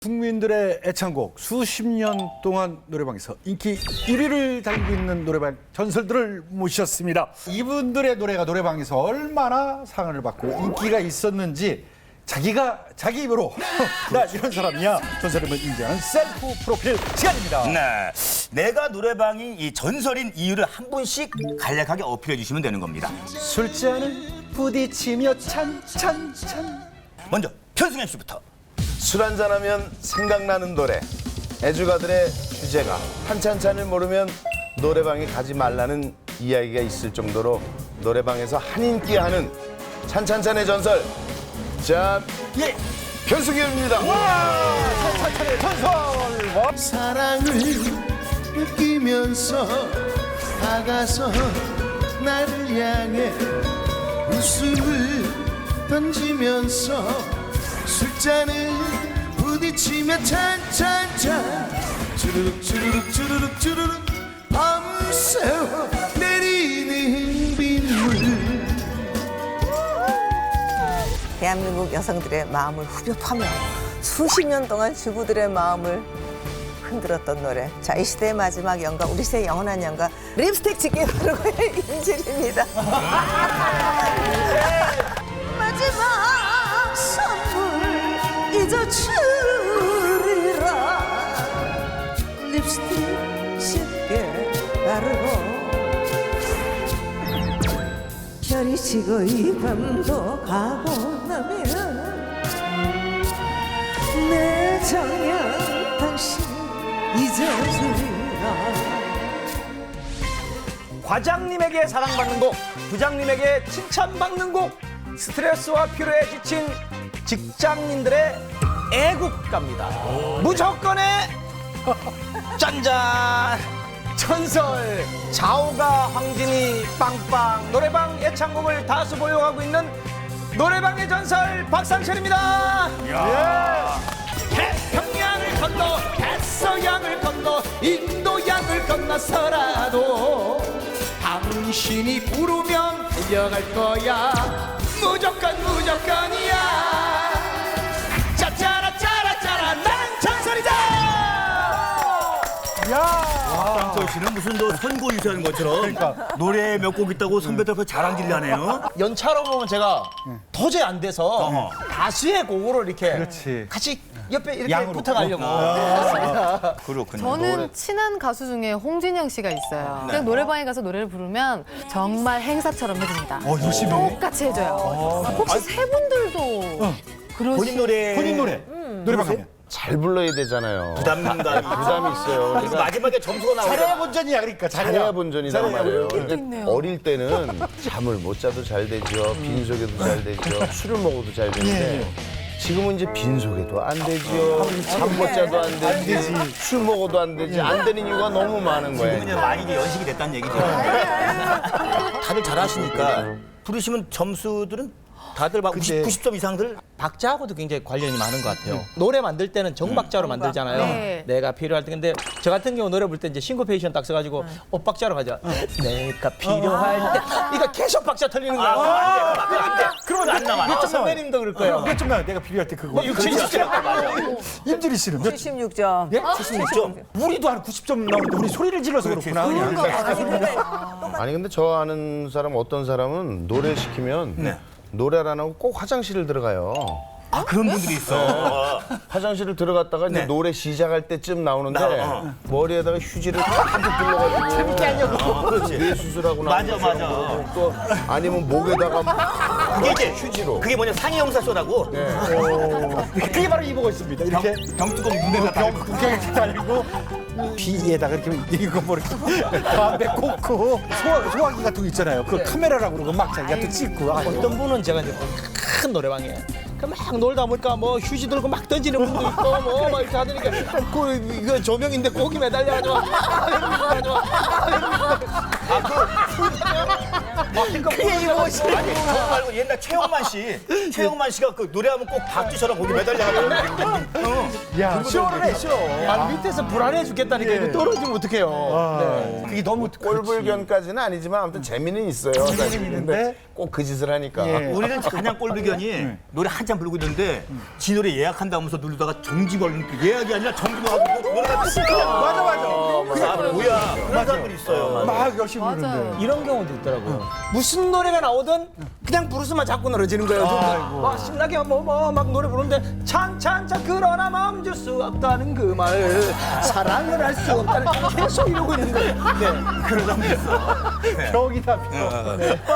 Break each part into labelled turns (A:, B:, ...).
A: 국민들의 애창곡 수십 년 동안 노래방에서 인기 1위를 달리고 있는 노래방 전설들을 모셨습니다. 이분들의 노래가 노래방에서 얼마나 사랑을 받고 인기가 있었는지 자기가 자기 입으로 나 이런 사람이야 전설임을 인정하는 셀프 프로필 시간입니다.
B: 네, 내가 노래방이 이 전설인 이유를 한 분씩 간략하게 어필해 주시면 되는 겁니다.
A: 술잔을 부딪히며 찬찬찬.
B: 먼저 편승현 씨부터.
C: 술 한잔하면 생각나는 노래. 애주가들의 주제가 한찬찬을 모르면 노래방에 가지 말라는 이야기가 있을 정도로 노래방에서 한인기하는 찬찬찬의 전설. 자,
B: 예,
C: 변승현입니다.
A: 찬찬찬의 전설.
D: 사랑을 느끼면서 다가서 나를 향해 웃음을 던지면서 술잔을 부딪히며 찬찬찬 주르륵 주르륵 주르륵 주르륵 밤새워 내리는 빗물.
E: 대한민국 여성들의 마음을 후벼 파며 수십 년 동안 주부들의 마음을 흔들었던 노래. 자, 이 시대의 마지막 연가, 우리 시대의 영원한 연가, 립스틱 짙게 바르고의 인질입니다. 마지막 선물 잊어주리라. 립스틱 짙게 바르고 별이 지고 이 밤도 가고 나면 내 정녕 당신 잊어주리라.
F: 과장님에게 사랑받는 곡, 부장님에게 칭찬받는 곡, 스트레스와 피로에 지친 직장인들의 애국가입니다. 무조건의 짠짠 전설 자오가 황진이 빵빵 노래방 애창곡을 다수 보유하고 있는 노래방의 전설 박상철입니다. 태평양을 건너 대서양을 건너 인도양을 건너서라도 당신이 부르면 달려갈 거야. 무조건 무조건이야. 짜짜라 짜라 난 전설이다.
B: 박상철 씨는 무슨 너 선고 유세하는 것처럼 노래 몇 곡 있다고 선배들 앞에 자랑질을 하네요.
F: 연차로 보면 제가 도저히 안 돼서 다수의 곡으로 이렇게
A: 그렇지.
F: 같이 옆에 이렇게
A: 양으로.
F: 붙어가려고.
B: 그렇군요.
G: 저는 친한 가수 중에 홍진영 씨가 있어요. 그냥 노래방에 가서 노래를 부르면 정말 행사처럼 해줍니다.
A: 열심히.
G: 똑같이 해줘요. 혹시 세 분들도 그러시?
B: 본인 노래
A: 본인 노래. 노래방 가면.
C: 잘 불러야 되잖아요.
B: 부담감이
C: 부담이 있어요.
B: 그리고 마지막에 점수가
A: 잘해야
B: 나오잖아.
A: 본전이야 그러니까
C: 잘해야 본전이란 말이에요. 근데
G: 있네요.
C: 어릴 때는 잠을 못 자도 잘 되죠. 빈속에도 잘 되죠. 술을 먹어도 잘 되는데 지금은 이제 빈속에도 안 되죠. 잠 못 자도 안 되지. 술 먹어도 안 되지. 안 되는 이유가 너무 많은 거예요.
B: 그냥 많이 이제 연식이 됐다는 얘기죠. 다들 잘하시니까 부르시면 점수들은 다들 막 90점 이상들.
F: 박자하고도 굉장히 관련이 많은 것 같아요. 노래 만들 때는 정박자로 만들잖아요.
G: 네.
F: 내가 필요할 때. 근데 저 같은 경우 노래 부를 때 이제 싱코페이션 딱 써가지고 엇박자로 가죠. 내가 필요할 때. 이거 계속 박자 틀리는 거야.
B: 안 돼.
A: 그러면
B: 안 나와.
A: 몇 점 나와요?
F: 선배님도 그럴 거예요.
A: 몇 점 나와요? 내가 필요할 때 그거.
F: 60점.
A: 임주리 씨는 몇
E: 76점.
A: 예? 76점? 우리도 한 90점 나오는데 우리 소리를 질러서 그렇구나. 그냥.
C: 아니 근데 저 아는 사람 어떤 사람은 노래 시키면 노래를 안 하고 꼭 화장실을 들어가요.
B: 아, 그런 분들이 있어.
C: 화장실을 들어갔다가 이제
B: 네.
C: 노래 시작할 때쯤 나오는데
B: 나,
C: 머리에다가 휴지를 가득 둘러가지고 재밌게 하려고
B: 그렇지.
C: 뇌 수술하고
B: 맞아,
C: 나온
B: 맞아.
C: 것처럼 또 아니면 목에다가 막
B: 그게 이제
C: 휴지로
B: 그게 뭐냐 상해영사 쇼라고.
A: 그게 바로 이 보고 있습니다. 이렇게
B: 병뚜껑 눈에다 달고.
A: 국경에 달고 비에다가 이렇게 이거 뭐 이렇게 담배 꽂고 소화기 같은 거 있잖아요. 그 카메라라고 그러고 막 자기가 또 찍고.
F: 어떤 분은 제가 이제 큰 노래방에 막 놀다 보니까 뭐 휴지 들고 막 던지는 분도 있고 뭐 막 이렇게 하더니까 이거 조명인데 고기 매달려가지고
B: 그게 이거지. 아니 그거 말고 옛날 최영만 씨가 그 노래하면 꼭 박지처럼 거기 매달려가지고.
A: 야,
F: 쇼를 해, 쇼. 아, 밑에서 불안해 죽겠다니까 이거 떨어지면 어떡해요.
A: 그게 너무
C: 꼴불견까지는 아니지만 아무튼 재미는 있어요. 사실. 근데 꼭 그 짓을 하니까.
B: 우리는 그냥 꼴비견이 노래 한참 부르고 있는데 지 노래 예약한다면서 누르다가 정지 걸린 그 예약이 아니라 정지 걸리고 노래가 그냥 맞아. 뭐야 그런 사람들이 있어요.
A: 막 열심히 부르는데.
F: 이런 경우도 있더라고요. 무슨 노래가 나오든 그냥 부르스만 자꾸 늘어지는 거예요. 막 신나게 막 노래 부르는데 찬찬찬 그러나 멈출 수 없다는 그 말 사랑을 할 수 없다는 계속 이러고 있는 거예요. 네.
B: 그런 사람들 있어.
A: 벽이다 벽.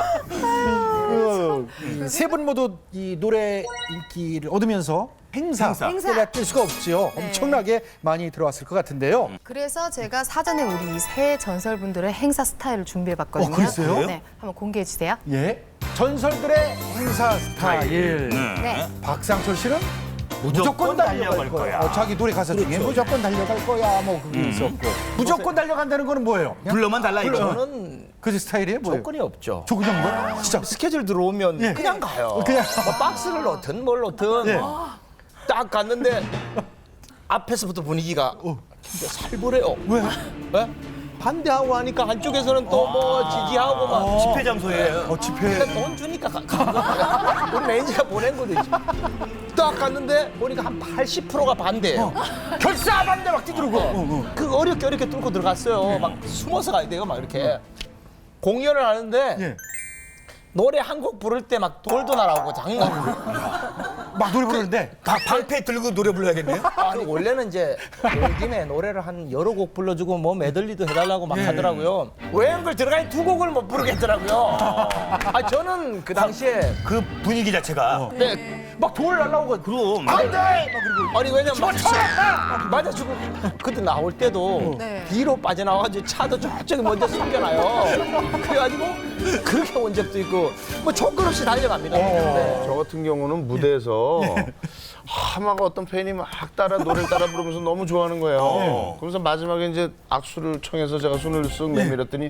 A: 세 분 모두 이 노래 인기를 얻으면서 행사를 뗄 수가 없지요. 엄청나게 많이 들어왔을 것 같은데요.
G: 그래서 제가 사전에 우리 새 전설분들의 행사 스타일을 준비해봤거든요.
A: 그랬어요?
G: 네, 한번 공개해 주세요.
A: 예. 전설들의 행사 스타일.
G: 네.
A: 박상철 씨는 무조건 달려갈 거야. 자기 노래 가사 중에 무조건 달려갈 거야. 뭐 그게 있었고. 무조건 달려간다는 거는 뭐예요?
B: 불러만 달라 이거.
F: 저는
A: 그 스타일이에요? 뭐예요?
F: 조건이 없죠.
A: 조건 정도? 진짜
F: 스케줄 들어오면
A: 예.
F: 그냥 가요.
A: 그냥.
F: 뭐 박스를 넣든 뭘 넣든
A: 예.
F: 딱 갔는데 앞에서부터 분위기가 진짜 살벌해요.
A: 왜?
F: 왜? 반대하고 하니까 한쪽에서는 또 뭐 지지하고 막
B: 집회 장소에
A: 집회.
F: 근데 돈 주니까 간 거야. 우리 매니저가 보낸 거지. 딱 갔는데 보니까 한 80%가 반대예요.
A: 결사 반대 막 뛰들고.
F: 그 어렵게 뚫고 들어갔어요. 막 숨어서 가야 돼요. 막 이렇게 공연을 하는데
A: 예.
F: 노래 한 곡 부를 때 막 돌도 날아오고 장난.
A: 막 노래 부르는데
B: 다 방패 들고 노래 불러야겠네요.
F: 그 원래는 이제 온 김에 노래를 한 여러 곡 불러주고 뭐 메들리도 해달라고 막 하더라고요. 외연글 들어가니 두 곡을 못 부르겠더라고요. 아 저는 그 당시에
B: 그 분위기 자체가
F: 네,
A: 막 돌 날라오고
B: 그럼
A: 안돼.
F: 아니 왜냐면 맞아주고 그때 나올 때도
G: 네.
F: 뒤로 빠져나와가지고 차도 저쪽에 먼저 숨겨놔요. 그래가지고 그렇게 온 적도 있고 뭐 조건 없이 달려갑니다. 네.
C: 저 같은 경우는 무대에서 막 어떤 팬이 막 노래를 따라 부르면서 너무 좋아하는 거예요. 그러면서 마지막에 이제 악수를 청해서 제가 손을 쓱 내밀었더니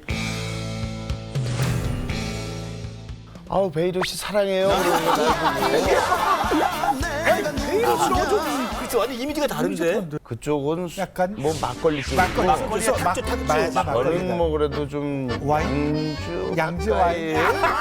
C: 아우 베이도 씨 사랑해요.
B: 그렇죠. 완전 이미지가 다른데.
C: 그쪽은
A: 약간
C: 뭐 막걸리 쪽.
B: 막걸리 탁주.
C: 저는 뭐 그래도 좀
A: 와인? 양주 와인.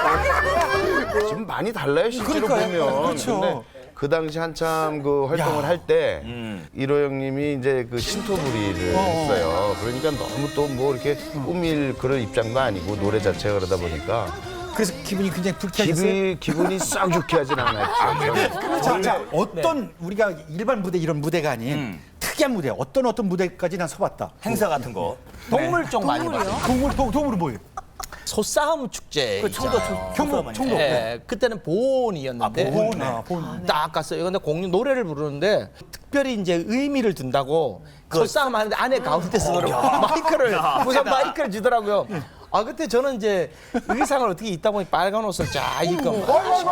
C: 지금 많이 달라요 실제로
A: 그러니까요.
C: 보면.
A: 그렇죠.
C: 근데 그 당시 한참 그 활동을 할 때 일호 형님이 이제 그 신토부리를 했어요. 그러니까 너무 또 뭐 이렇게 꾸밀 그런 입장도 아니고 노래 자체가 그러다 보니까
A: 그래서 기분이 굉장히 불쾌하셨어요?
C: 기분이 싹 좋게 하진 않았죠.
A: 자, 어떤 우리가 일반 무대 이런 무대가 아닌 특이한 무대 어떤 무대까지 난 서봤다.
B: 행사 같은 거.
F: 동물 쪽 많이 봐요.
A: 동물은 뭐예요?
F: 소싸움 축제.
B: 그 청도
A: 청도.
F: 예, 그때는 보온이었는데
A: 보온.
F: 딱 갔어요. 근데 공연 노래를 부르는데 특별히 이제 의미를 둔다고 소싸움 하는데 안에 가운데서 노래 마이크를 무슨 마이크를 주더라고요. 아 그때 저는 이제 의상을 어떻게 입다 보니 빨간 옷을 쫙 입고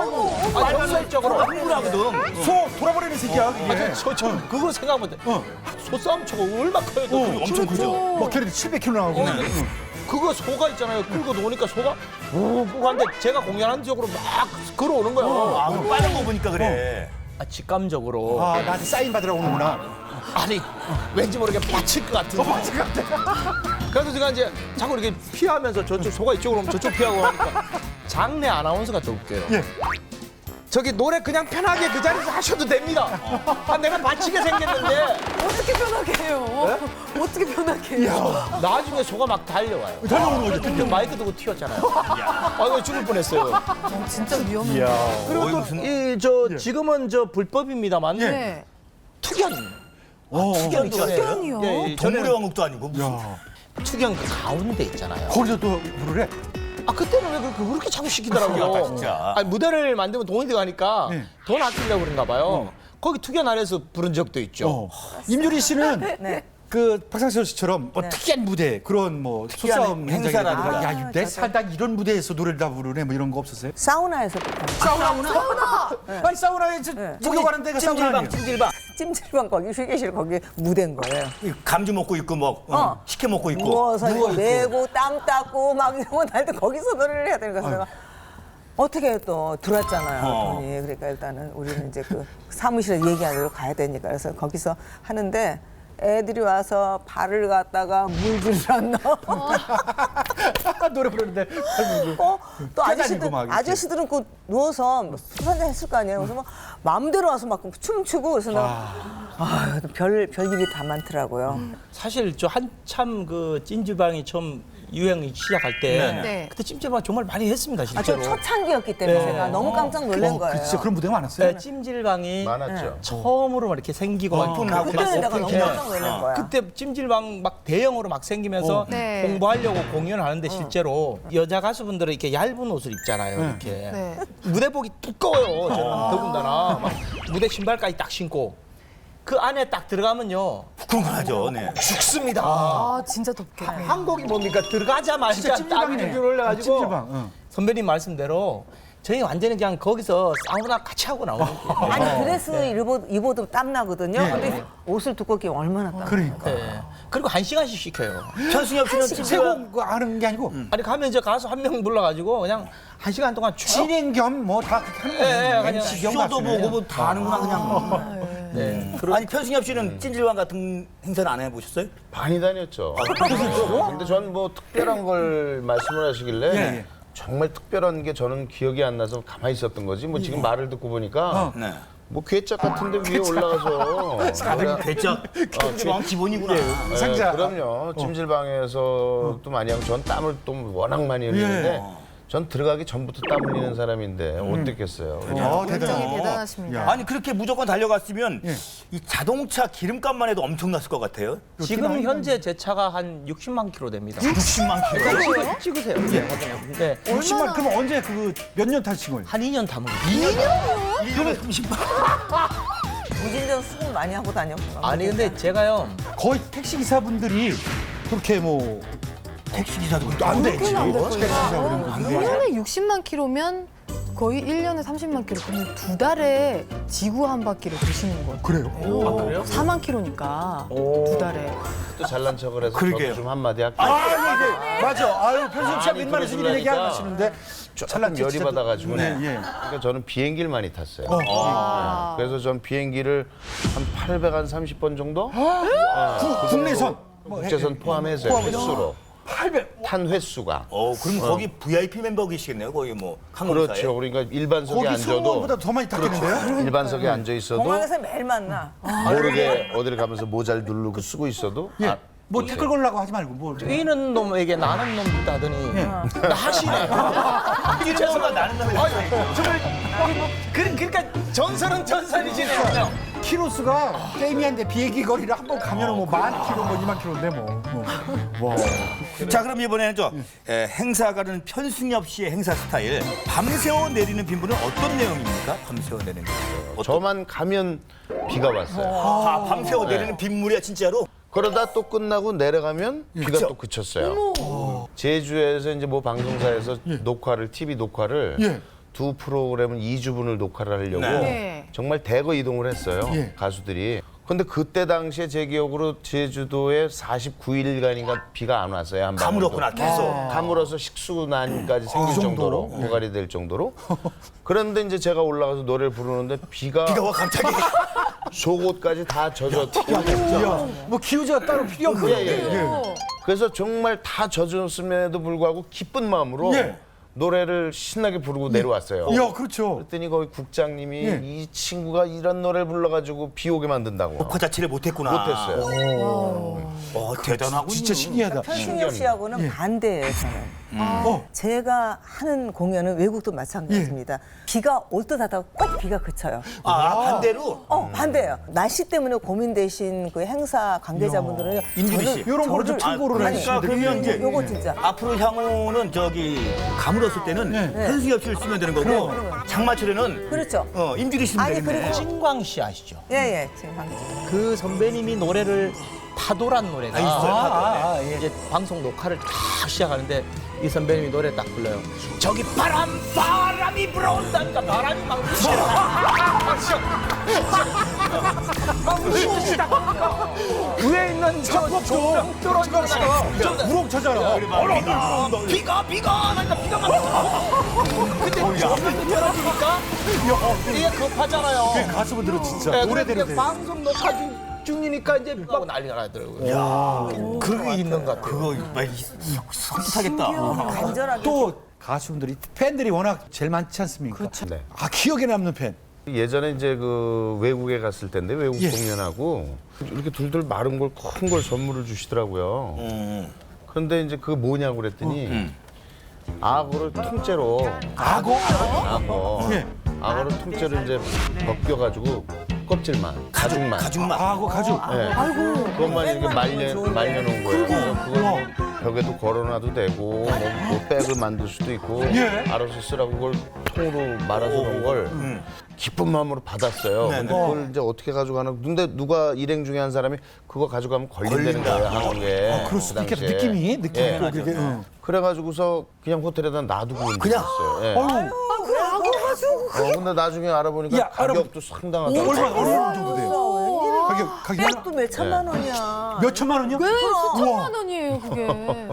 F: 정설적으로
B: 흥분하거든.
A: 소 돌아버리는 새끼야.
F: 저 그거 생각 못해. 소싸움 초가 얼마 커요? 또
B: 엄청 크죠.
A: 막 걔네들 700kg 나오고.
F: 그거 소가 있잖아요. 끌고 노니까 소가 우고 하는데 제가 공연하는 쪽으로 막 걸어오는 거예요.
B: 아, 그럼 빨간 거 보니까 그래.
F: 아, 직감적으로.
A: 아, 나한테 사인 받으러 오는구나.
F: 아니 왠지 모르게 빠칠 것 같은.
A: 맞을 것 같아.
F: 그래서 제가 이제 자꾸 이렇게 피하면서 저쪽 소가 이쪽으로 오면 저쪽 피하고 하니까 장내 아나운서가 좀 웃겨요.
A: 예.
F: 저기 노래 그냥 편하게 그 자리에서 하셔도 됩니다. 아, 내가 다치게 생겼는데
G: 어떻게 변하게 해요? 어떻게 변하게 해요?
F: 나중에 소가 막 달려와요.
A: 달려오는 거죠.
F: 그때 마이크 두고 튀었잖아요. 아 이거 죽을 뻔했어요.
G: 진짜 위험해요.
F: 그리고 또 지금은 저 불법입니다만
G: 네.
F: 투견.
B: 투견
G: 투견이요?
F: 예,
B: 동물의 왕국도 아니고 무슨.
F: 투견 그 가운데 있잖아요.
A: 거기서 또 부르래.
F: 아 그때는 왜 그렇게 자꾸 시키더라고요.
B: 신기하다, 진짜.
F: 아니, 무대를 만들면 돈이 들어가니까
A: 네.
F: 돈 아끼려고 그런가 봐요. 거기 투견 아래에서 부른 적도 있죠.
A: 임유리 씨는
E: 네.
A: 그 박상철 씨처럼 뭐 특이한 무대 그런 뭐 소싸움
B: 행사라든가.
A: 행사라든가 야, 내 살다 이런 무대에서 노래를 다 부르네 뭐 이런 거 없었어요?
E: 사우나에서
A: 사우나? 아니 사우나에 목욕하는 데가 사우나 아니에요?
B: 찜질방.
E: 찜질방 거기 휴게실 거기 무대인 거예요.
B: 감주 먹고 있고 뭐 식혜 먹고 있고.
E: 누워서 매고 땀 닦고 막 이런 거 날 때 거기서 노래를 해야 되는 거야. 그래서 내가 어떻게 또 들어왔잖아요. 돈이. 그러니까 일단은 우리는 이제 그 사무실에 얘기하러 가야 되니까 그래서 거기서 하는데 애들이 와서 발을 갖다가 물질을 안 넣어.
A: 노래 부르는데
E: 또
A: 깨다니고 막 이렇게.
E: 아저씨들은 그 누워서 술 한잔 했을 거 아니에요. 그래서 막 마음대로 와서 막 춤추고 그래서 내가 별일이 다 많더라고요.
F: 사실 저 한참 그 찜질방이 처음 유행이 시작할 때
G: 네.
F: 그때 찜질방 정말 많이 했습니다
E: 아,
F: 실제로.
E: 저 초창기였기 때문에
F: 네.
E: 제가 너무 깜짝 놀란 거예요.
A: 진짜 그런 무대가 많았어요.
F: 네, 찜질방이
C: 많았죠.
F: 처음으로 막 이렇게 생기고 막
B: 오픈하고
E: 그때는 내가
B: 막
E: 너무
B: 오픈
E: 깜짝 놀란 거야.
F: 그때 찜질방 막 대형으로 막 생기면서
G: 네.
F: 공부하려고 공연을 하는데 실제로 여자 가수분들은 이렇게 얇은 옷을 입잖아요. 이렇게
G: 네.
F: 무대복이 두꺼워요. 저는 더군다나 막 무대 신발까지 딱 신고 그 안에 딱 들어가면요
B: 궁금하죠. 네.
F: 죽습니다.
G: 아 진짜 덥겠네.
F: 한국이 뭡니까 들어가자마자
A: 진짜
F: 땀이
A: 찜질방이네.
F: 줄줄 올라가지고
A: 찜질방, 응.
F: 선배님 말씀대로 저희 완전히 그냥 거기서 사우나 같이 하고 나오는 거예요.
E: 아니 드레스 입어도 땀 나거든요. 근데 옷을 두껍게 입으면 얼마나 땀.
A: 그러니까.
F: 네. 그리고 1시간씩 시켜요.
B: 현승엽 씨는 찜질방
A: 세고 하는 게 아니고
F: 아니 가면 이제 가수 한 명 불러가지고 그냥 1시간 동안 쭉
A: 진행 겸 뭐 다 그렇게 하는
F: 예, 예,
A: 거예요.
F: 그냥
A: MC 겸
B: 쇼도
A: 가수네.
B: 보고 뭐 다 하는구나 그냥.
F: 네.
B: 아니 편승엽 씨는 찜질방 같은 행사는 안 해보셨어요?
C: 많이 다녔죠. 근데 전 뭐 특별한 걸 말씀을 하시길래
A: 예.
C: 정말 특별한 게 저는 기억이 안 나서 가만히 있었던 거지. 뭐 지금 말을 듣고 보니까
B: 네.
C: 뭐 괴짝 같은데 위에 올라가서
B: 다들 괴짝 찜질방 기본이구나.
C: 네,
A: 상자.
C: 그럼요. 찜질방에서도 많이 하고 전 땀을 또 워낙 많이 흘리는데 전 들어가기 전부터 땀 흘리는 사람인데 어땠겠어요.
G: 열정이 대단하십니다.
B: 아니 그렇게 무조건 달려갔으면 이 자동차 기름값만 해도 엄청났을 것 같아요.
F: 지금 현재 제 차가 한 60만 킬로 됩니다.
B: 60만 킬로.
F: 찍으세요. 네.
A: 60만 그럼 언제 그 몇 년 타신 거예요?
F: 한 2년 담은 거예요.
B: 1년에 30만.
E: 무진장 수고 많이 하고 다녔구나.
F: 아니 근데 제가요
A: 거의 택시 기사분들이 그렇게 뭐
B: 택시 기사도
A: 안 되지.
G: 일년에 60만 킬로면 거의 1년에 30만 킬로. 그러면 2달에 지구 한 바퀴를 도시는 거예요.
A: 그래요?
F: 그래요?
G: 4만 킬로니까 2달에.
C: 또 잘난 척을 해서
B: 그러게요.
C: 저도 좀 한마디 할게요.
A: 맞아. 아유 편승엽 씨가
C: 아니,
A: 웬만해서 이런 얘기 안
C: 그러시려니까
A: 하시는데
C: 조금 열이 받아가지고
A: 네, 예.
C: 그러니까 저는 비행기를 많이 탔어요.
G: 아.
C: 그래서 전 비행기를 한 830번 정도?
A: 국내선
C: 국제선 포함해서 횟수로
A: 800.
C: 탄 횟수가.
B: 그럼 거기 VIP 멤버이시겠네요. 거기 뭐 항공사에.
C: 그렇죠. 그러니까 일반석에
A: 거기
C: 앉아도
A: 승무원보다 더 많이 탔겠는데요?
C: 일반석에 앉아 있어도
E: 공항에서 매일 만나.
C: 모르게 어디를 가면서 모자를 누르고 쓰고 있어도
A: 예. 뭐 댓글 걸라고 하지 말고 뭘.
F: 뛰는 놈에게 나는 놈 있다더니 나 하시네.
B: 가 나는 놈이
F: 정말 그러니까 전설은 전설이지네요. 그냥.
A: 키로수가 게임이한데 비행기 거리를 한 번 가면은 뭐 10,000km, 뭐 20,000km인데 뭐. 와.
B: 자 그럼 이번에는 행사 가는 편승엽 씨의 행사 스타일 밤새워 내리는 빗물은 어떤 내용입니까? 밤새워 내리는 빗물.
C: 저만 가면 비가 왔어요.
B: 밤새워 내리는 빗물이야 진짜로?
C: 그러다 또 끝나고 내려가면 비가
B: 그쵸?
C: 또 그쳤어요. 제주에서 이제 뭐 방송사에서 녹화를 TV 녹화를
A: 예.
C: 두 프로그램은 2주분을 녹화를 하려고
G: 네.
C: 정말 대거 이동을 했어요.
A: 예.
C: 가수들이. 근데 그때 당시에 제 기억으로 제주도에 49일간인가 비가 안 왔어요. 한 방울도.
B: 가물었구나 계속.
C: 가물어서 식수난까지 생길 정도로 고갈이 될 정도로. 그런데 이제 제가 올라가서 노래를 부르는데 비가
B: 비가 와 갑자기.
C: 속옷까지 다 젖었고
A: 야, 뭐 기우제가 따로 필요 없고.
C: 예, 예. 그래서 정말 다 젖었음에도 불구하고 기쁜 마음으로
A: 예.
C: 노래를 신나게 부르고 내려왔어요.
A: 야, 그렇죠.
C: 그랬더니 거기 국장님이
A: 예.
C: 이 친구가 이런 노래를 불러가지고 비 오게 만든다고.
B: 녹화 자체를 못했구나.
C: 못했어요.
B: 대단하군요.
A: 진짜 신기하다.
E: 편승엽 씨하고는 반대예요, 저는.
A: 어.
E: 제가 하는 공연은 외국도 마찬가지입니다. 비가 올 듯 하다가 꼭 비가 그쳐요.
B: 반대로?
E: 반대예요. 날씨 때문에 고민되신 그 행사 관계자분들은
B: 임주리 씨.
A: 이런 거를 좀 참고를
B: 그러니까 그러면 이제
E: 요거 진짜.
B: 앞으로 향후는 가물었을 때는 편승엽 씨를 쓰면 되는 거고 장마철에는
E: 그렇죠.
B: 임주리 씨면
E: 아니,
B: 되겠네.
E: 그리고
F: 찐광 씨 아시죠?
E: 예, 지금 방금.
F: 그 선배님이 노래를 파도란 노래가
B: 있어요,
F: 이제 방송 녹화를 딱 시작하는데 이 선배님이 노래 딱 불러요. 저기 바람이 불어온다니까 바람이 막 부시는 위에 있는 저 조명 떨어지다가
A: 우렁차잖아.
F: 비가 나니까 비가 막 근데 조명이 떨어지니까 이게 급하잖아요.
A: 가수분들은 진짜
F: 네,
A: 노래대로
F: 그래서
A: 돼.
F: 이제 방송 녹화 중이니까 이제 막 난리가 나더라고요. 그게 있는 것 같아요.
B: 그거 섬뜩하겠다.
E: 간절하게.
A: 또 가수분들이 팬들이 워낙 제일 많지 않습니까?
E: 그렇죠.
C: 네.
A: 아 기억에 남는 팬.
C: 예전에 이제 그 외국에 갔을 텐데 외국
A: 예.
C: 공연하고 이렇게 둘둘 마른 걸 큰 걸 선물을 주시더라고요. 그런데 이제 그게 뭐냐고 그랬더니 악어를 통째로 악어?
A: 예.
C: 악어를 통째로 이제 벗겨가지고 껍질만 가죽만
A: 아고 가죽.
C: 그것만 이렇게 말려놓은 거예요. 그래서 그걸 벽에도 걸어놔도 되고 뭐 백을 만들 수도 있고
A: 예.
C: 알아서 쓰라고 그걸 통으로 말아서 놓은 걸 기쁜 마음으로 받았어요. 근데 그걸 이제 어떻게 가져가나? 근데 누가 일행 중에 한 사람이 그거 가져가면 걸린다는 거예요, 한국에.
A: 그럴 수도
C: 그
A: 있겠다.
C: 당시에.
A: 느낌이
C: 예.
A: 또 그렇게. 응.
C: 그래가지고서 그냥 호텔에다 놔두고 있었어요. 예. 근데 나중에 알아보니까
A: 야,
C: 가격도 상당하다.
A: 얼마 정도 돼요?
E: 웬일이야.
A: 가격
E: 백도 몇 천만 원이야.
A: 몇 천만 원이요?
G: 왜 수천만 원이에요 그게.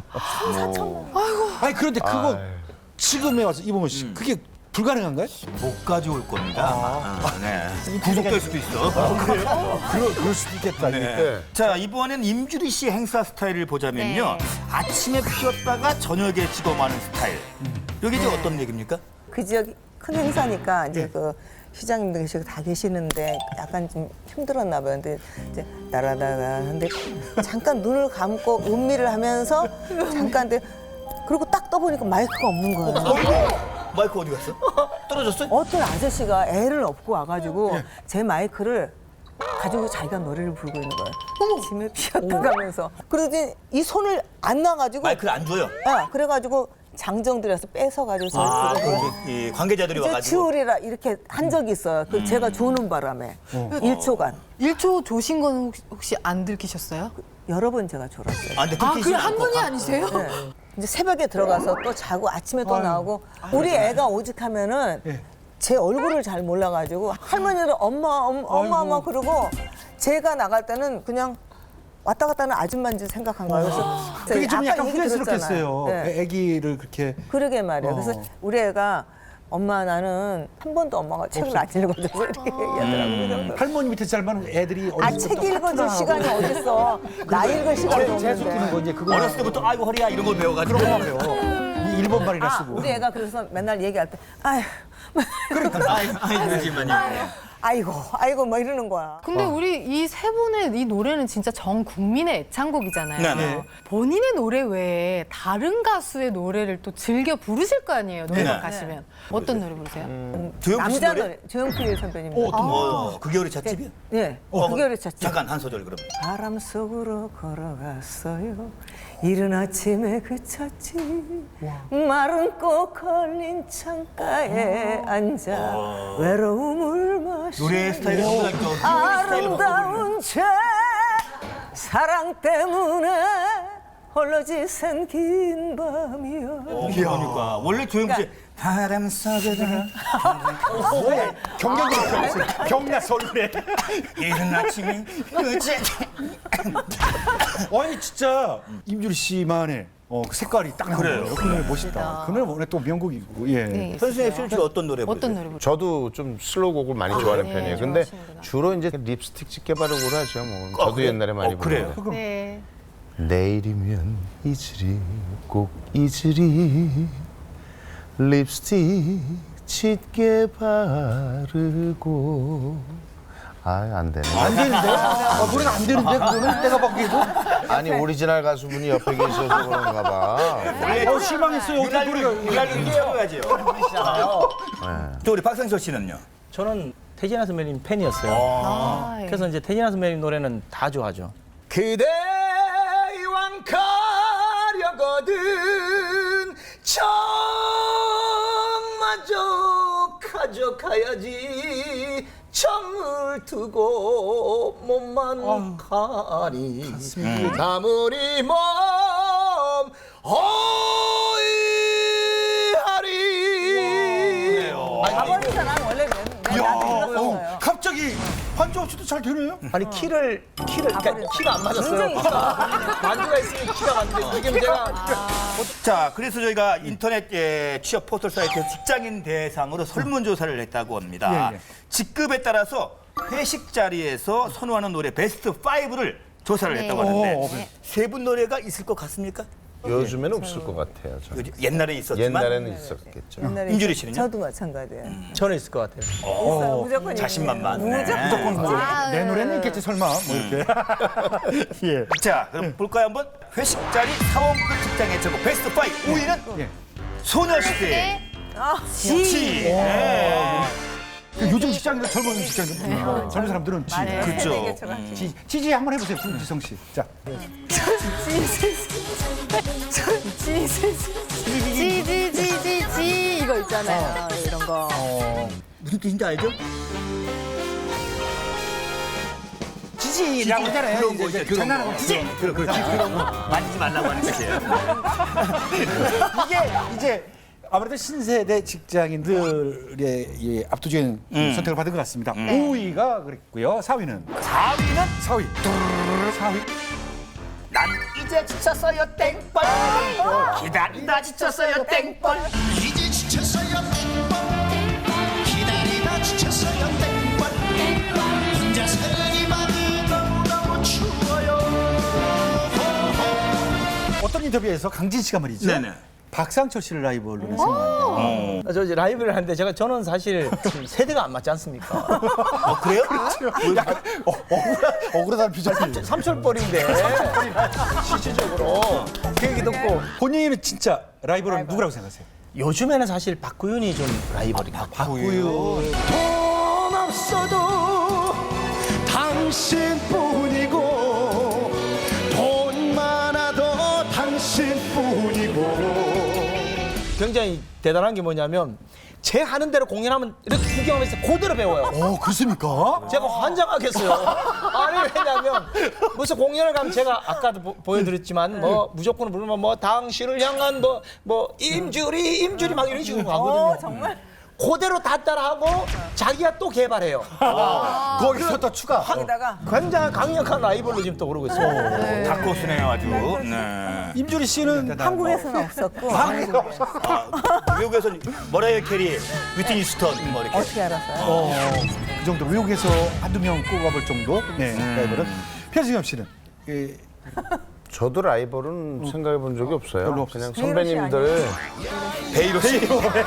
A: 아니 그런데 그거 지금에 와서 이봉원 씨 그게 불가능한가요?
B: 못 가져올 겁니다. 네. 구속될 수도 있어.
A: 그럴 수도 있겠다.
C: 네.
B: 자, 이번엔 임주리 씨 행사 스타일을 보자면요. 아침에 피었다가 저녁에 찍어마는 스타일. 이게 이제 어떤 얘기입니까?
E: 그 지역이 큰 행사니까 이제 그 시장님도 계시고 다 계시는데 약간 좀 힘들었나 봐요. 근데 이제 나라다가 하는데 잠깐 눈을 감고 음미를 하면서 잠깐 근데 그리고 딱 떠보니까 마이크가 없는 거예요.
B: 마이크 어디 갔어? 떨어졌어?
E: 어떤 아저씨가 애를 업고 와가지고 제 마이크를 가지고 자기가 노래를 부르고 있는 거예요. 아침에 피었다 가면서. 그러더니 이 손을 안 놔가지고
B: 마이크를 안 줘요.
E: 그래가지고 장정들에서 뺏어가지고
B: 이 관계자들이
E: 이제
B: 와가지고.
E: 치우리라 이렇게 한 적이 있어요. 그 제가 조는 바람에 1초간
G: 1초 조신 건 혹시 안 들키셨어요?
E: 여러 번 제가 졸았어요.
B: 아, 근데
G: 아,
B: 들키진
G: 그 한
B: 않고.
G: 분이 아니세요?
E: 네. 이제 새벽에 들어가서 또 자고 아침에 또 나오고 우리 애가 오직하면은 제 얼굴을 잘 몰라가지고 할머니들 엄마 그러고 제가 나갈 때는 그냥 왔다 갔다 하는 아줌마인 줄 생각한 거예요. 그래서
A: 그게 좀 약간
E: 얘기 들었잖아요.
A: 후회스럽겠어요.
E: 네.
A: 아기를 그렇게.
E: 그러게 말이에요. 그래서 우리 애가 엄마 나는 한 번도 엄마가 책을 안 읽어줘서 이렇게 얘기하더라고요.
A: 할머니 밑에 살만 애들이
E: 책 읽어줄 시간이 어딨어. 나 읽을 시간이
A: 재수 끼는 거
E: 없는데.
A: 이제 그거
B: 어렸을 때부터 아이고 허리야 이런 걸 배워가지고.
A: 이 일본 말이나 쓰고.
E: 우리 애가 그래서 맨날 얘기할 때 아휴 아이고 뭐 이러는 거야.
G: 근데 우리 이 세 분의 이 노래는 진짜 전 국민의 애창곡이잖아요.
B: 네네.
G: 본인의 노래 외에 다른 가수의 노래를 또 즐겨 부르실 거 아니에요. 노래방
B: 네네.
G: 가시면. 어떤 노래 부르세요?
B: 조영필 씨
E: 남자
B: 노래?
E: 노래 조영필 선배님.
B: 그게 우리 찻집이야?
E: 네. 그게 우리 쳤죠.
B: 잠깐 한 소절 그럼.
E: 바람 속으로 걸어갔어요. 이른 아침에 그쳤지. 마른 꽃 걸린 창가에 앉아 외로움을 마시.
B: 노래 스타일이 정말 또
E: 아름다운 채 사랑 때문에 홀로 지샌 긴 밤이여.
B: 그러니까 원래 조영필 씨 바람 속에도
A: 경야 설레.
B: 이른 아침에 그치.
A: 아니 진짜 임주리 씨만의 그 색깔이 딱 나와요. 그 노래 멋있다. 그 노래 원래 또 명곡이고. 예.
G: 네,
B: 현수의 씨는 주로 어떤 노래
G: 어떤
B: 부르세요?
G: 노래 부르세요?
C: 저도 좀 슬로우 곡을 많이 좋아하는
G: 네,
C: 편이에요. 근데
G: 좋아하시는구나.
C: 주로 이제 립스틱 짙게 바르고 하죠. 뭐. 저도
B: 그래요?
C: 옛날에 많이
B: 그래요?
C: 불러요.
G: 네.
C: 내일이면 잊으리 꼭 잊으리 립스틱 짙게 바르고 안 되네.
A: 안 되는데? 노래는 안 되는데 그거는 내가 보기에도.
C: 아니 오리지널 가수분이 옆에 계셔서 그런가 봐.
A: 실망했어요. 어떤 노래가.
B: 유달리 채워야지요. 또 우리 박상철 씨는요?
F: 저는 태진아 선배님 팬이었어요.
G: 아, 예.
F: 그래서 이제 태진아 선배님 노래는 다 좋아하죠. 그대 이왕 가려거든 정마저 가져가야지 정을 두고 몸만 가니 나무리 몸 어이하리
E: 아버지가 난 원래 나한테 그랬었어요.
A: 갑자기 반주 없이도 잘 되네요.
F: 아니 키를 그러니까 키가 안 맞았어요.
E: 굉장히
F: 반주가 있으면 키가 맞는데 지금 제가
B: 자, 그래서 저희가 인터넷 취업 포털 사이트에서 직장인 대상으로 설문조사를 했다고 합니다.
A: 예, 예.
B: 직급에 따라서 회식 자리에서 선호하는 노래 베스트 5를 조사를
G: 네.
B: 했다고 하는데 세 분 노래가 있을 것 같습니까?
C: 요즘에는 없을 것 같아요. 저는.
B: 옛날에 있었지만
C: 옛날에는 있었겠죠.
E: 옛날에
B: 임주리 씨는요?
E: 저도 마찬가지예요.
F: 저는 있을 것 같아요.
E: 있어요. 무조건
B: 자신만만.
E: 있어요.
B: 네.
E: 무조건
A: 뭐,
G: 아,
A: 내 노래는 있겠지 설마 뭐 이렇게. 예.
B: 자, 그럼 볼까요 한번? 회식 자리 사원급 직장 애청곡 베스트 5 5위는
A: 예.
B: 소녀시대
G: 네.
B: 지. 네.
A: 요즘 직장인들 젊은 직장인들 젊은 사람들은 지.
G: 맞아요.
B: 그렇죠.
A: 지지 한번 해보세요, 김지성 씨. 자,
G: 지지지지지 이거 있잖아요. 이런 거.
B: 무슨 뜻인지 알죠?
A: 지지라고 하잖아요.
B: 그런 거 있죠.
A: 장난하고 지지.
B: 그런 거 만지지 말라고 하는 뜻이에요.
A: 이게 이제 아무래도 신세대 직장인들의 이 압도적인 선택을 받은 것 같습니다. 5위가 그랬고요. 4위는
B: 4위는
A: 4위. 4위.
B: 난 이제 지쳤어요 땡벌 기다리다 지쳤어요 땡벌
D: 이제 지쳤어요 땡벌 기다리다 지쳤어요 땡벌 혼자 살기만이 너무너무 추워요
A: 어떤 인터뷰에서 강진 씨가 말이죠.
B: 네네.
A: 박상철 씨를 라이벌로 생각한다.
F: 저 이제 라이브를 하는데 저는 사실 세대가 안 맞지 않습니까?
B: 그래요?
A: 약간 억울하다는 표정이.
F: 삼철벌인데 실질적으로 그 얘기 듣고
A: 본인은 진짜 라이벌은 누구라고 생각하세요?
F: 요즘에는 사실 박구윤이 좀 라이벌입니다.
A: 박구윤.
D: 돈 없어도 당신뿐이고 돈 많아도 당신뿐이고
F: 굉장히 대단한 게 뭐냐면 제 하는 대로 공연하면 이렇게 구경하면서 그대로 배워요.
A: 그렇습니까?
F: 제가 환장하겠어요. 아니 왜냐면 무슨 공연을 가면 제가 아까도 보여드렸지만 뭐 무조건 부르면 뭐 당신을 향한 뭐 임주리 막 이런 식으로 가거든요.
E: 정말
F: 그대로 다 따라하고 자기가 또 개발해요.
A: 거기서 또 추가.
E: 거기다가
F: 굉장히 강력한 라이벌로 지금 떠오르고 있어요.
B: 닭고수네요 아주. 네.
A: 임주리 씨는
E: 한국에서는 없었고
B: 미국에서는 머라이어 캐리, 위트니 휴스턴 뭐 이렇게.
E: 어떻게 알았어요?
A: 그 정도 외국에서 한두 명 꼽아볼 정도. 네, 라이벌은. 표지겸 씨는
C: 저도 라이벌은 생각해 본 적이 없어요.
A: 별로
C: 그냥
A: 없었어요.
C: 선배님들
B: 베이로 씨.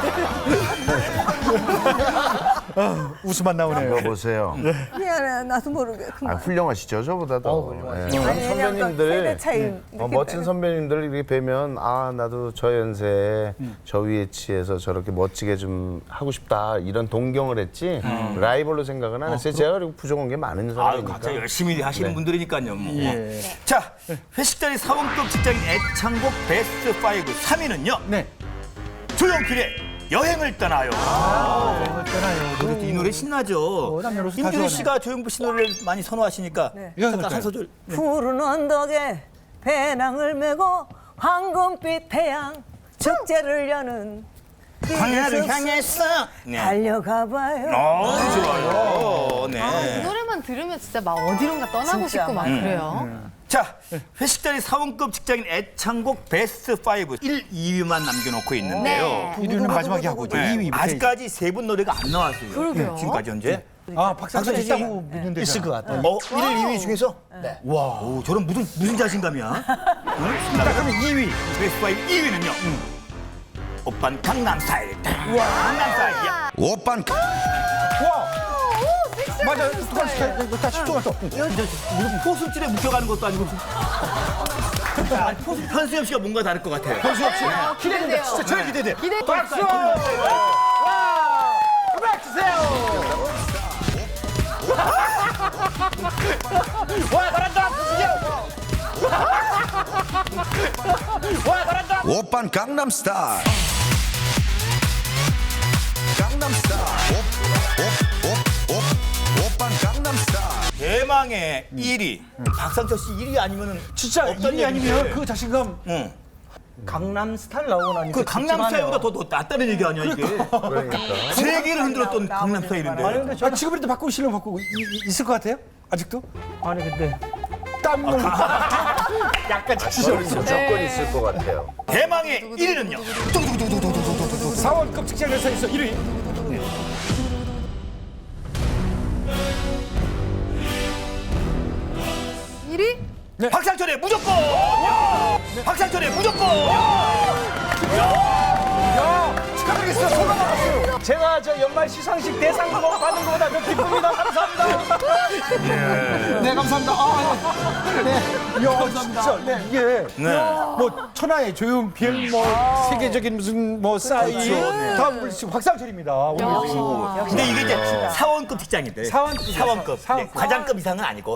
A: 웃음만 나오네요.
C: 여보세요.
E: 미안해, 나도 모르게 그만.
C: 훌륭하시죠, 저보다도. 예.
E: 아니, 왜냐면
C: 선배님들,
E: 세대 차이
C: 멋진 선배님들 이렇게 뵈면 나도 저 연세에 저 위에 치에서 저렇게 멋지게 좀 하고 싶다 이런 동경을 했지 라이벌로 생각은 안 했어요. 제가 그리고 부족한 게 많은
B: 아유,
C: 사람이니까.
B: 각자 열심히 하시는
C: 네.
B: 분들이니까요. 뭐.
A: 예.
B: 자, 회식 자리 사원급 직장인 애창곡 베스트 5 3위는요.
A: 네.
B: 조용필의 여행을 떠나요.
A: 떠나요.
B: 노래, 이 노래 신나죠.
A: 남녀노소 다
B: 임준희
A: 좋아하네.
B: 씨가 조용필 씨 노래를 많이 선호하시니까
A: 이거
B: 잠깐
A: 할까요?
B: 한 소절.
E: 푸른 언덕에 배낭을 메고 황금빛 태양 축제를 여는
B: 광야를 향해서. 네.
E: 달려가봐요.
B: 좋아요. 네.
G: 이 노래만 들으면 진짜 막 어디론가 떠나고
E: 진짜
G: 싶고 막 그래요.
B: 자, 회식 자리 사원급 직장인 애창곡 베스트 5 1, 2위만 남겨놓고 있는데요.
G: 네.
A: 1위는 마지막에 하고 이제
B: 네.
A: 2위.
B: 아직까지 세 분 노래가 안 나왔어요.
G: 그러게요.
B: 지금까지 현재.
A: 박상철 있다고 묻는데.
F: 있을 것 같아요.
B: 1, 2위 중에서? 네. 와, 오, 저런 무슨 자신감이야? 응? 자, 그러면 2위. 베스트 5 2위는요? 오빤 강남스타일. 강남스타일이야.
D: 오빤
A: 맞아. 똑같이 스타일. 다 10초만 더.
B: 무슨 포스줄에 묶여가는 것도 아니고. 아니, 현수엽 씨가 뭔가 다를 것 같아요. 현수엽 씨.
G: 기대돼요.
A: 진짜 저희 기대돼.
G: 박수!
A: 음악 주세요. 와, 잘한다. 와, 잘한다.
D: 오빤 강남스타일 강남스타일 오빤 강남스타일
B: 대망의 1위. 박상철 씨 1위 아니면은
A: 진짜
B: 없던
A: 1위 아니면
B: 얘기인데.
A: 그 자신감
B: 응.
F: 강남스타일 나오고 나니까
B: 그 강남스타일보다 더 낫다는 얘기 아니야 이게.
C: 그러니까.
B: 세계를 흔들었던 강남스타일인데.
F: 아니 근데 저는
A: 지금이라도 바꾸시려면 바꾸고 있을 것 같아요? 아직도?
F: 아니 근데
A: 땀을 약간 지치죠.
C: 조건이 있을 것 같아요.
B: 대망의 1위는요.
A: 4월급 직장에서 1위.
G: 1위?
B: 박상철의 무조건. 박상철의 무조건.
A: 축하드리겠습니다. 소감 나갔어요.
F: 제가 저 연말 시상식 대상 받은 것보다 더 기쁩니다. 감사합니다. 네 감사합니다.
A: 야, 진짜 이게 뭐 천하의 조용필 뭐 세계적인 무슨 뭐 싸이 다음 물씬 박상철입니다. 오늘
B: 근데 이게 이제 사원급 직장인데.
A: 사원급.
B: 사원급. 네, 과장급 이상은 아니고.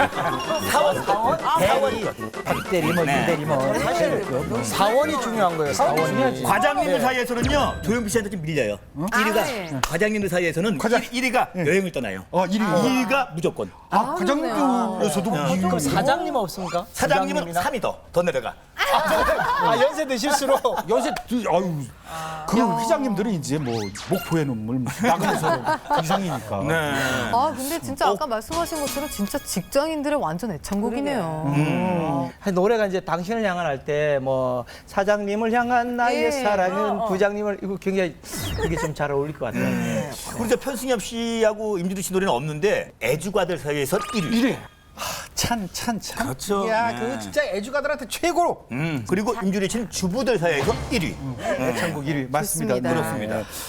B: 사원급.
F: 박대리 뭐 유대리 뭐 사실 사원이 중요한 거예요. 사원이.
B: 과장님들 사이에서는요 조용필 씨한테 좀 밀려요. 1위가 과장님들 사이에서는 1위가 여행을 떠나요. 2위가 무조건.
A: 과장님들에서도
F: 그럼 사장님 없습니까?
B: 사장님은 3위 더 내려가.
F: 아 연세 드실수록
A: 요새 아유 그 회장님들은 이제 뭐 목포의 눈물 나가면서 이상이니까.
G: 아 근데 진짜 아까 말씀하신 것처럼 진짜 직장인들의 완전 애창곡이네요.
F: 노래가 이제 당신을 향한 할 때 뭐 사장님을 향한 나의
G: 예.
F: 사랑은 부장님을 이거 굉장히 이게 좀 잘 어울릴 것 같아요.
B: 우리 저 편승엽 씨하고 임주리 씨 노래는 없는데 애주가들 사이에서 1위.
A: 찬.
B: 그렇죠.
A: 야,
B: 네.
A: 그 진짜 애주가들한테 최고로.
B: 그리고 임주리 씨는 주부들 사이에서 1위.
A: 애창곡 1위 맞습니다.
G: 좋습니다.
B: 그렇습니다.